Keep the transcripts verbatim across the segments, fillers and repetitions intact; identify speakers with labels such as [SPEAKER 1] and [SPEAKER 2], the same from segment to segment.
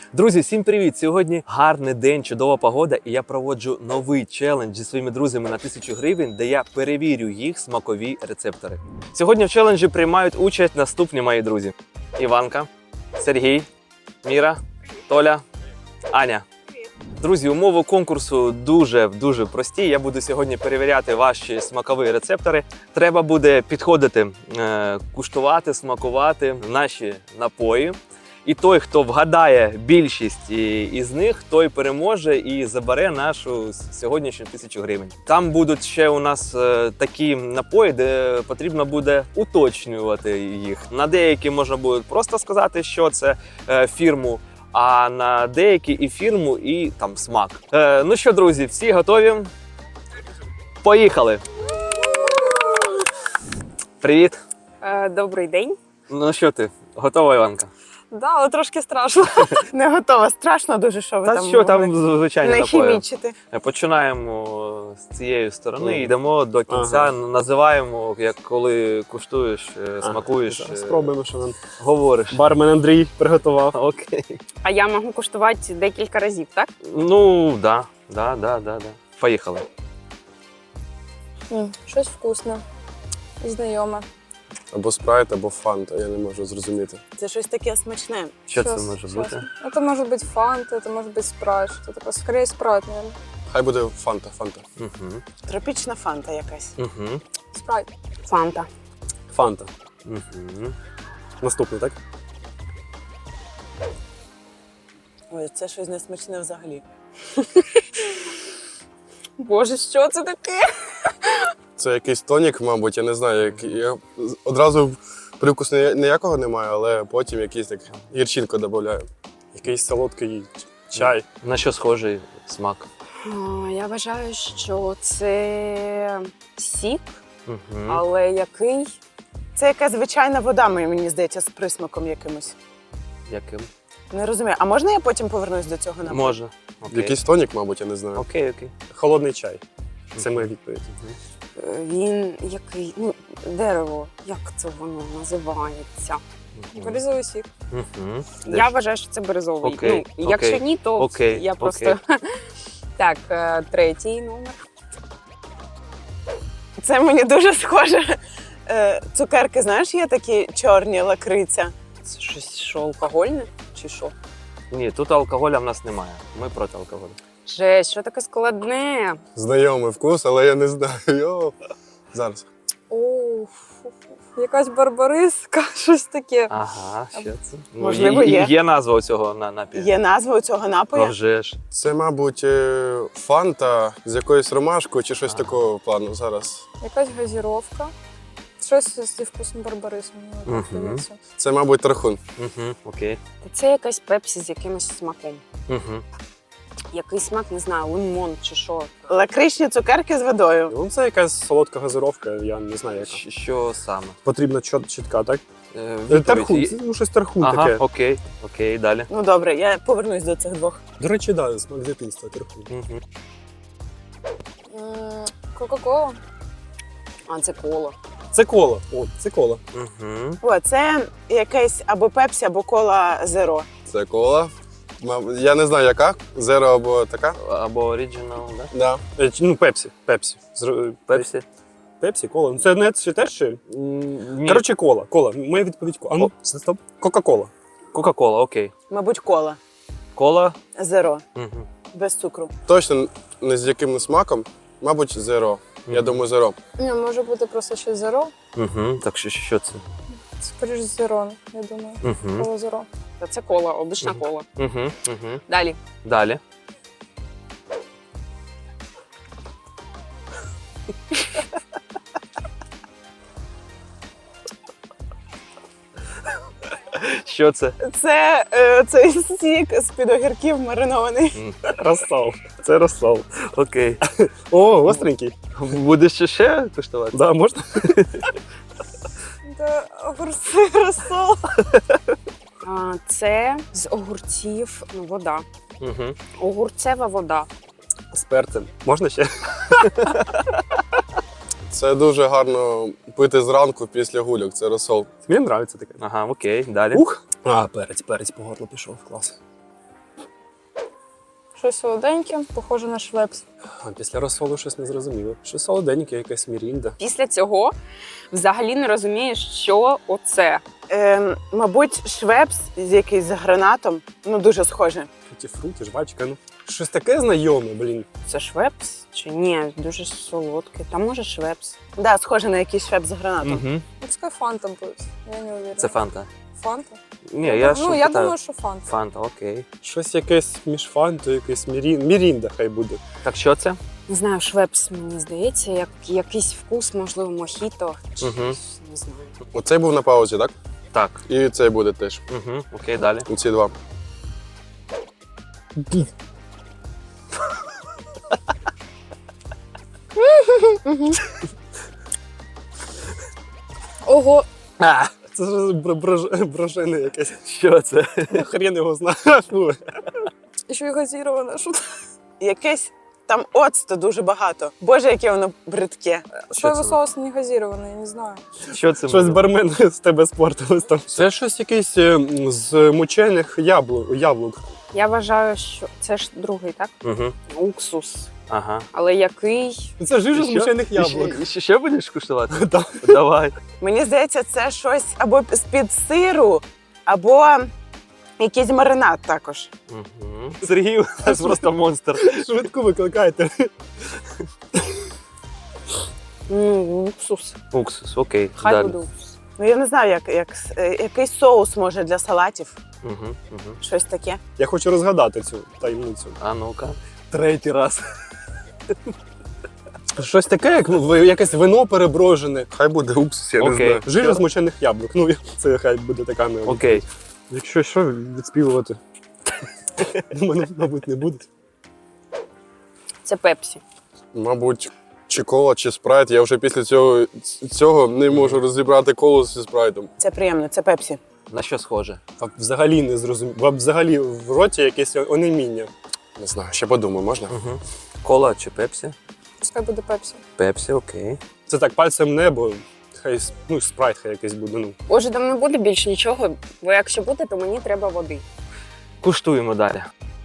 [SPEAKER 1] Друзі, всім привіт! Сьогодні гарний день, чудова погода, і я проводжу новий челендж зі своїми друзями на тисячу гривень, де я перевірю їх смакові рецептори. Сьогодні в челенджі приймають участь наступні мої друзі: Іванка, Сергій, Міра, Толя, Аня. Друзі, умови конкурсу дуже-дуже прості. Я буду сьогодні перевіряти ваші смакові рецептори. Треба буде підходити, куштувати, смакувати наші напої. І той, хто вгадає більшість із них, той переможе і забере нашу сьогоднішню тисячу гривень. Там будуть ще у нас такі напої, де потрібно буде уточнювати їх. На деякі можна буде просто сказати, що це фірму, а на деякі і фірму, і там смак. Е, ну що, друзі, всі готові? Поїхали! Привіт!
[SPEAKER 2] Е, добрий день.
[SPEAKER 1] Ну що ти, готова, Іванка?
[SPEAKER 2] Да, але трошки страшно.
[SPEAKER 3] Не готова. Страшно дуже, що ви
[SPEAKER 1] Та
[SPEAKER 3] там
[SPEAKER 1] що там,
[SPEAKER 3] говорите.
[SPEAKER 1] звичайно,
[SPEAKER 3] Не
[SPEAKER 1] напої.
[SPEAKER 3] хімічити.
[SPEAKER 1] Починаємо з цієї сторони,
[SPEAKER 4] Ага.
[SPEAKER 1] йдемо до кінця,
[SPEAKER 4] Ага.
[SPEAKER 1] називаємо, як коли куштуєш, е, смакуєш,
[SPEAKER 4] Зараз
[SPEAKER 1] е,
[SPEAKER 4] спробуємо, що нам
[SPEAKER 1] говориш.
[SPEAKER 4] бармен Андрій приготував.
[SPEAKER 1] Окей.
[SPEAKER 2] А я можу куштувати декілька разів, так?
[SPEAKER 1] Ну, да, да, да, да, да. Поїхали.
[SPEAKER 5] М, Щось вкусне і знайоме.
[SPEAKER 4] Або спрайт, або фанта, я не можу зрозуміти.
[SPEAKER 3] Це щось таке смачне.
[SPEAKER 1] Що це
[SPEAKER 5] Щас,
[SPEAKER 1] може
[SPEAKER 5] щас.
[SPEAKER 1] бути?
[SPEAKER 5] Это может быть фанта, это может быть спрайт, что такое. Скорее спрайт, наверное.
[SPEAKER 4] Хай буде фанта, фанта.
[SPEAKER 1] Угу.
[SPEAKER 3] Тропічна фанта якась.
[SPEAKER 1] Угу.
[SPEAKER 5] Спрайт.
[SPEAKER 2] Фанта.
[SPEAKER 4] Фанта.
[SPEAKER 1] Угу.
[SPEAKER 4] Наступний, так?
[SPEAKER 3] Ой, це щось несмачне взагалі.
[SPEAKER 2] Боже, що це таке?
[SPEAKER 4] Це якийсь тонік, мабуть, я не знаю. Як... Я... Одразу привкусу ні- ніякого немає, але потім якийсь так гірчинку додаю. Якийсь солодкий чай.
[SPEAKER 1] На що схожий смак?
[SPEAKER 2] А, я вважаю, що це сік,
[SPEAKER 1] Угу.
[SPEAKER 2] але який?
[SPEAKER 3] Це якась звичайна вода, мені здається, з присмаком якимось.
[SPEAKER 1] Яким?
[SPEAKER 3] Не розумію. А можна я потім повернусь до цього напою?
[SPEAKER 1] Можна. Окей.
[SPEAKER 4] Якийсь тонік, мабуть, я не знаю.
[SPEAKER 1] Окей, окей.
[SPEAKER 4] Холодний чай. Це моя відповідь.
[SPEAKER 2] Е, Він який? Ну, дерево. Як це воно називається?
[SPEAKER 5] Березовий сік.
[SPEAKER 1] Угу.
[SPEAKER 2] Я вважаю, що це березовий.
[SPEAKER 1] Окей,
[SPEAKER 2] Ну, якщо
[SPEAKER 1] окей,
[SPEAKER 2] ні, то
[SPEAKER 1] окей,
[SPEAKER 2] я просто. Так, е, третій номер.
[SPEAKER 3] Це мені дуже схоже. Е, Цукерки, знаєш, є такі чорні лакриця.
[SPEAKER 2] Це щось що, алкогольне? Чи що?
[SPEAKER 1] Ні, тут алкоголя в нас немає. Ми проти алкоголю.
[SPEAKER 2] Жесть, що таке складне?
[SPEAKER 4] Знайомий вкус, але я не знаю. Йо. Зараз.
[SPEAKER 5] О, якась барбариска, щось таке.
[SPEAKER 1] Ага, що це? Ну,
[SPEAKER 3] Можливо,
[SPEAKER 1] є.
[SPEAKER 3] є.
[SPEAKER 1] Є назва у цього на напію?
[SPEAKER 3] Є назва у цього
[SPEAKER 1] А
[SPEAKER 3] напою?
[SPEAKER 1] вже ж.
[SPEAKER 4] Це, мабуть, е, фанта з якоюсь ромашкою чи щось
[SPEAKER 1] Ага.
[SPEAKER 4] такого плану зараз.
[SPEAKER 5] Якась газіровка. Щось зі вкусом барбарису, мені так
[SPEAKER 1] Мгм.
[SPEAKER 5] здається.
[SPEAKER 4] Це, мабуть, тархун.
[SPEAKER 1] Угу. Окей.
[SPEAKER 2] Та це якась пепсі з якимось смаком.
[SPEAKER 1] Угу.
[SPEAKER 2] Який смак, не знаю, лимон чи що.
[SPEAKER 3] Лакричні цукерки з водою.
[SPEAKER 4] Ну, це якась солодка газировка, я не знаю яка.
[SPEAKER 1] Щ- Що саме?
[SPEAKER 4] Потрібно чіт- чітка, так?
[SPEAKER 1] Е,
[SPEAKER 4] Е,
[SPEAKER 1] відповідь
[SPEAKER 4] Тархун,
[SPEAKER 1] є?
[SPEAKER 4] це ну, щось тархун
[SPEAKER 1] Ага,
[SPEAKER 4] таке.
[SPEAKER 1] окей, окей, далі.
[SPEAKER 3] Ну добре, я повернусь до цих двох.
[SPEAKER 4] До речі, да, смак дитинства, тархун.
[SPEAKER 1] Угу.
[SPEAKER 5] М, Кока-кола.
[SPEAKER 2] А, це коло.
[SPEAKER 4] Це кола. О, це кола.
[SPEAKER 1] Угу.
[SPEAKER 3] О, це якесь або пепсі, або кола зеро.
[SPEAKER 4] Це кола. Мабуть, я не знаю, яка. Зеро або така.
[SPEAKER 1] Або оригінал, да?
[SPEAKER 4] Да. Е, чи- Ну, пепсі. Пепсі. Зро-
[SPEAKER 1] Пепсі?
[SPEAKER 4] Пепсі, кола. Ну, це не чи теж ще?
[SPEAKER 1] Ні.
[SPEAKER 4] Коротше, кола. Кола. Моя відповідь кола. А ну, стоп. Кока-кола.
[SPEAKER 1] Кока-кола, окей.
[SPEAKER 3] Мабуть, кола
[SPEAKER 1] Кола.
[SPEAKER 3] зеро,
[SPEAKER 1] Угу.
[SPEAKER 3] без цукру.
[SPEAKER 4] Точно не з яким смаком. Мабуть, зеро. Я
[SPEAKER 1] Мгм.
[SPEAKER 4] думаю, зеро.
[SPEAKER 5] Ні, може бути просто щось зеро.
[SPEAKER 1] Угу. Так що, що це?
[SPEAKER 5] Скоріше зеро, я думаю.
[SPEAKER 1] Угу.
[SPEAKER 5] Кола зеро.
[SPEAKER 2] Та це кола, обична
[SPEAKER 1] Мгм.
[SPEAKER 2] кола.
[SPEAKER 1] Угу. Угу.
[SPEAKER 2] Далі.
[SPEAKER 1] Далі. Що це?
[SPEAKER 3] Це е, цей сік з-під огірків маринований.
[SPEAKER 4] Розсол. Це розсол.
[SPEAKER 1] Окей.
[SPEAKER 4] О, гостренький.
[SPEAKER 1] Будеш ще ще куштувати?
[SPEAKER 4] Да, можна?
[SPEAKER 5] Це огурці розсол.
[SPEAKER 2] А, це з огурців ну, вода.
[SPEAKER 1] Угу.
[SPEAKER 2] Огурцева вода.
[SPEAKER 4] З перцем. Можна ще? Це дуже гарно пити зранку після гульок. Це розсол. Мені подобається таке.
[SPEAKER 1] Ага, окей, далі.
[SPEAKER 4] Ух! А, перець, перець по горлу пішов. Клас.
[SPEAKER 5] Щось солоденьке, похоже на швепс.
[SPEAKER 4] А після розсолу щось не зрозуміло. Щось солоденьке, якась мірінда.
[SPEAKER 2] Після цього взагалі не розумієш, що оце.
[SPEAKER 3] Е, мабуть, швепс з якийсь з гранатом. Ну, дуже схоже.
[SPEAKER 4] Ті фрукти, жвачка, ну. Щось таке знайоме, блін.
[SPEAKER 2] Це швепс чи ні? Дуже солодке. Та може швепс.
[SPEAKER 3] Да, схоже на якийсь швепс з гранатом.
[SPEAKER 1] Угу.
[SPEAKER 5] Пускай фанта буде. Я не уверена.
[SPEAKER 1] Це фанта.
[SPEAKER 5] Фанта?
[SPEAKER 1] Ні, я
[SPEAKER 5] ну,
[SPEAKER 1] що
[SPEAKER 5] я
[SPEAKER 1] питаю?
[SPEAKER 5] думаю, що фанта.
[SPEAKER 1] Фанта, окей.
[SPEAKER 4] Щось якесь між фантою, якесь мірін... мірінда хай буде.
[SPEAKER 1] Так що це?
[SPEAKER 2] Не знаю, швепс, мені здається, як якийсь вкус, можливо, мохіто. Чи
[SPEAKER 1] Мгм.
[SPEAKER 2] не знаю.
[SPEAKER 4] Оцей був на паузі, так?
[SPEAKER 1] Так.
[SPEAKER 4] І цей буде теж.
[SPEAKER 1] Угу. Окей, далі.
[SPEAKER 4] Ці два.
[SPEAKER 5] Ого,
[SPEAKER 1] А,
[SPEAKER 4] Це ж бр- брож- брожене якесь.
[SPEAKER 1] що це?
[SPEAKER 4] Хрен його знає. Фу.
[SPEAKER 5] ще й газіроване. Що це?
[SPEAKER 3] Якесь там оцту дуже багато. Боже, яке воно бридке.
[SPEAKER 5] Соєвий
[SPEAKER 1] це?
[SPEAKER 5] соус не газірований, я не знаю.
[SPEAKER 1] Що це?
[SPEAKER 4] Щось
[SPEAKER 1] може?
[SPEAKER 4] бармен з тебе спортилось там. Це щось якесь е, з мучених яблук. яблук.
[SPEAKER 2] Я вважаю, що це ж другий, так?
[SPEAKER 1] Угу.
[SPEAKER 2] Уксус.
[SPEAKER 1] Ага.
[SPEAKER 2] Але який?
[SPEAKER 4] Це жижа з
[SPEAKER 1] Що?
[SPEAKER 4] мучених яблук.
[SPEAKER 1] Ще, ще, ще будеш куштувати?
[SPEAKER 4] Так.
[SPEAKER 1] Давай.
[SPEAKER 3] Мені здається, це щось або з-під сиру, або якийсь маринад також.
[SPEAKER 1] Угу. Сергій у нас просто монстр.
[SPEAKER 4] Швидку викликайте.
[SPEAKER 2] Ну, уксус.
[SPEAKER 1] Уксус, окей.
[SPEAKER 2] Хай
[SPEAKER 1] далі.
[SPEAKER 2] буде уксус.
[SPEAKER 3] Ну, я не знаю, як, як с- е, якийсь соус, може, для салатів.
[SPEAKER 1] Угу, угу.
[SPEAKER 3] Щось таке.
[SPEAKER 4] Я хочу розгадати цю таємницю.
[SPEAKER 1] А ну-ка. Третій раз.
[SPEAKER 4] Щось таке, як ну, ви- якесь вино переброжене. Хай буде уксус, я
[SPEAKER 1] Окей.
[SPEAKER 4] не знаю. Жижа з мучених яблук. Ну, це хай буде така моя.
[SPEAKER 1] Окей.
[SPEAKER 4] Якщо що, відспівувати. У мене, мабуть, не буде.
[SPEAKER 2] Це пепсі.
[SPEAKER 4] Мабуть, чи кола, чи спрайт. Я вже після цього, цього не можу розібрати колу зі спрайтом.
[SPEAKER 3] Це приємно, це пепсі.
[SPEAKER 1] На що схоже?
[SPEAKER 4] А взагалі не зрозумів. А взагалі в роті якесь онеміння. Не знаю, ще подумаю, можна?
[SPEAKER 1] Угу. Кола чи пепсі?
[SPEAKER 5] Пускай буде пепсі.
[SPEAKER 1] Пепсі, окей.
[SPEAKER 4] Це так пальцем небо. Хай с- ну, спрайт хай якийсь буде. Ну.
[SPEAKER 2] Боже, там не буде більше нічого, бо якщо буде, то мені треба води.
[SPEAKER 1] Куштуємо далі.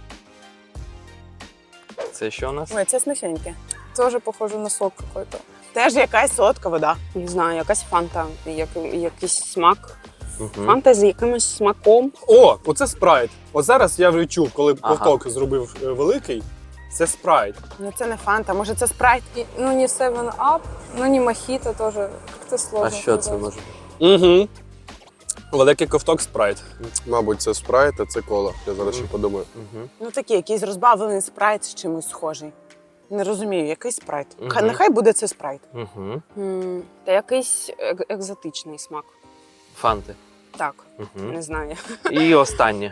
[SPEAKER 1] Це що у нас?
[SPEAKER 3] Ой, це смачненьке.
[SPEAKER 5] Теж похоже на сок какой-то.
[SPEAKER 3] Теж якась солодка вода.
[SPEAKER 2] Не знаю, якась фанта, як, якийсь смак.
[SPEAKER 1] Угу.
[SPEAKER 2] Фанта з якимось смаком.
[SPEAKER 4] О, оце спрайт. От зараз я вже чув, коли
[SPEAKER 1] Ага.
[SPEAKER 4] ковток зробив е, великий. Це спрайт.
[SPEAKER 3] Ну це не фанта, може це спрайт?
[SPEAKER 5] И, ну, не севен ап, ну, не мохито тоже. Как-то сложно.
[SPEAKER 1] А що це
[SPEAKER 5] сказать.
[SPEAKER 1] може?
[SPEAKER 4] Угу. Великий ковток спрайт. Мабуть, це спрайт, а це кола. Я зараз ще подумаю.
[SPEAKER 1] Угу.
[SPEAKER 3] Ну такий, якийсь розбавлений спрайт з чимось схожий. Не розумію, який спрайт.
[SPEAKER 1] Мгм.
[SPEAKER 3] Хай нехай буде це спрайт.
[SPEAKER 1] Угу.
[SPEAKER 2] М, Та якийсь ек- екзотичний смак.
[SPEAKER 1] Фанти.
[SPEAKER 2] Так,
[SPEAKER 1] Угу.
[SPEAKER 2] не знаю.
[SPEAKER 1] І останнє.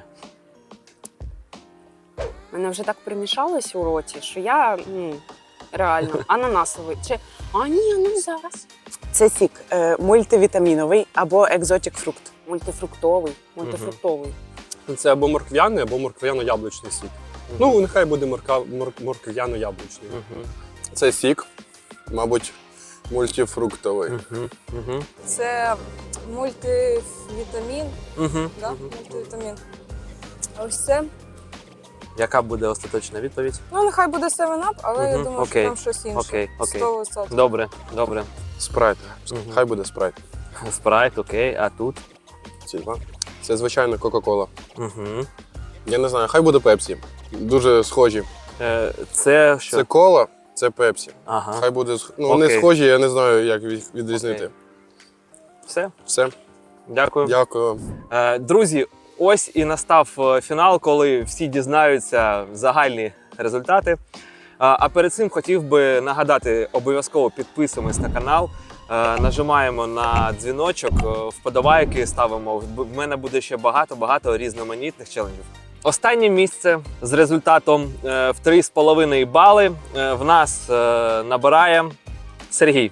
[SPEAKER 2] Мене вже так примішалось у роті, що я ну, реально ананасовий. Чи а ні, ну зараз.
[SPEAKER 3] Це сік е, мультивітаміновий або екзотік фрукт.
[SPEAKER 2] Мультифруктовий, мультифруктовий.
[SPEAKER 4] Це або морквяний, або морквяно-яблучний сік. Ну, нехай буде морка, мор, морквяно-яблучний.
[SPEAKER 1] Угу.
[SPEAKER 4] Це сік, мабуть, мультифруктовий.
[SPEAKER 1] Угу. Угу.
[SPEAKER 5] Це мультивітамін,
[SPEAKER 1] Угу.
[SPEAKER 5] да? Мультивітамін. А ось це,
[SPEAKER 1] Яка буде остаточна відповідь?
[SPEAKER 5] ну, нехай буде севен ап, але я
[SPEAKER 1] Мгм,
[SPEAKER 5] думаю,
[SPEAKER 1] окей,
[SPEAKER 5] що там щось інше.
[SPEAKER 1] окей, окей.
[SPEAKER 5] сто відсотків.
[SPEAKER 1] Добре, добре.
[SPEAKER 4] Спрайт.
[SPEAKER 1] Мгм.
[SPEAKER 4] Хай буде спрайт.
[SPEAKER 1] Спрайт, окей, а тут?
[SPEAKER 4] Ці два. Це звичайно Кока-Кола.
[SPEAKER 1] Угу.
[SPEAKER 4] Я не знаю, хай буде Пепсі. Дуже схожі.
[SPEAKER 1] Е, це що?
[SPEAKER 4] Це кола, це Пепсі.
[SPEAKER 1] Ага.
[SPEAKER 4] Хай буде сх- ну, вони
[SPEAKER 1] Окей.
[SPEAKER 4] схожі, я не знаю, як їх відрізнити.
[SPEAKER 1] Окей. Все,
[SPEAKER 4] Все,
[SPEAKER 1] дякую.
[SPEAKER 4] дякую.
[SPEAKER 1] Е, Друзі, ось і настав е, фінал, коли всі дізнаються загальні результати. Е, А перед цим хотів би нагадати, обов'язково підписуємось на канал, е, нажимаємо на дзвіночок, е, вподобайки ставимо. В мене буде ще багато-багато різноманітних челенджів. Останнє місце з результатом е, в три з половиною бали е, в нас е, набирає Сергій.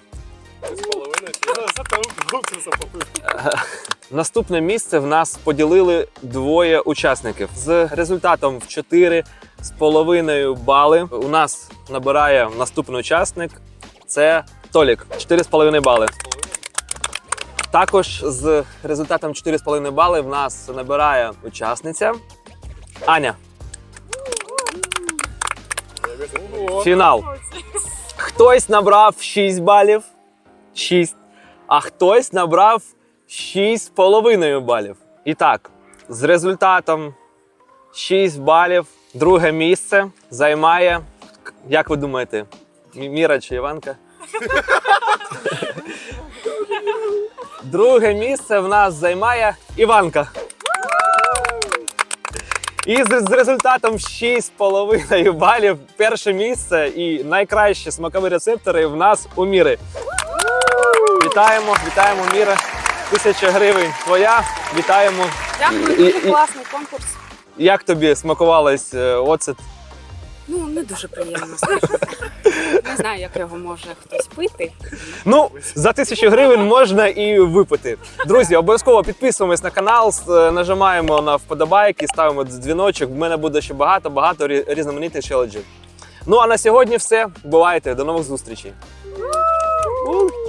[SPEAKER 1] Наступне місце в нас поділили двоє учасників. З результатом в чотири з половиною бали у нас набирає наступний учасник. Це Толік. чотири з половиною бали. Також з результатом чотири з половиною бали в нас набирає учасниця Аня. Фінал. Хтось набрав шість балів, шість, а хтось набрав шість з половиною балів. І так, з результатом шість балів друге місце займає, як ви думаєте, Мі- Міра чи Іванка? Друге місце в нас займає Іванка. І з, з результатом шість з половиною балів перше місце і найкращі смакові рецептори в нас у Міри. Вітаємо, вітаємо, Міра. Тисяча гривень твоя. Вітаємо.
[SPEAKER 2] Дякую,
[SPEAKER 1] І-
[SPEAKER 2] дуже
[SPEAKER 1] і-
[SPEAKER 2] класний конкурс.
[SPEAKER 1] Як тобі смакувалось е, оцет?
[SPEAKER 2] Ну, не дуже приємно, скажімо. Не знаю, як його може хтось пити.
[SPEAKER 1] Ну, за тисячу гривень можна і випити. Друзі, обов'язково підписуємось на канал, с- е, нажимаємо на вподобайки, ставимо дзвіночок. В мене буде ще багато-багато рі- різноманітних челенджів. Ну а на сьогодні все. Бувайте, до нових зустрічей. У!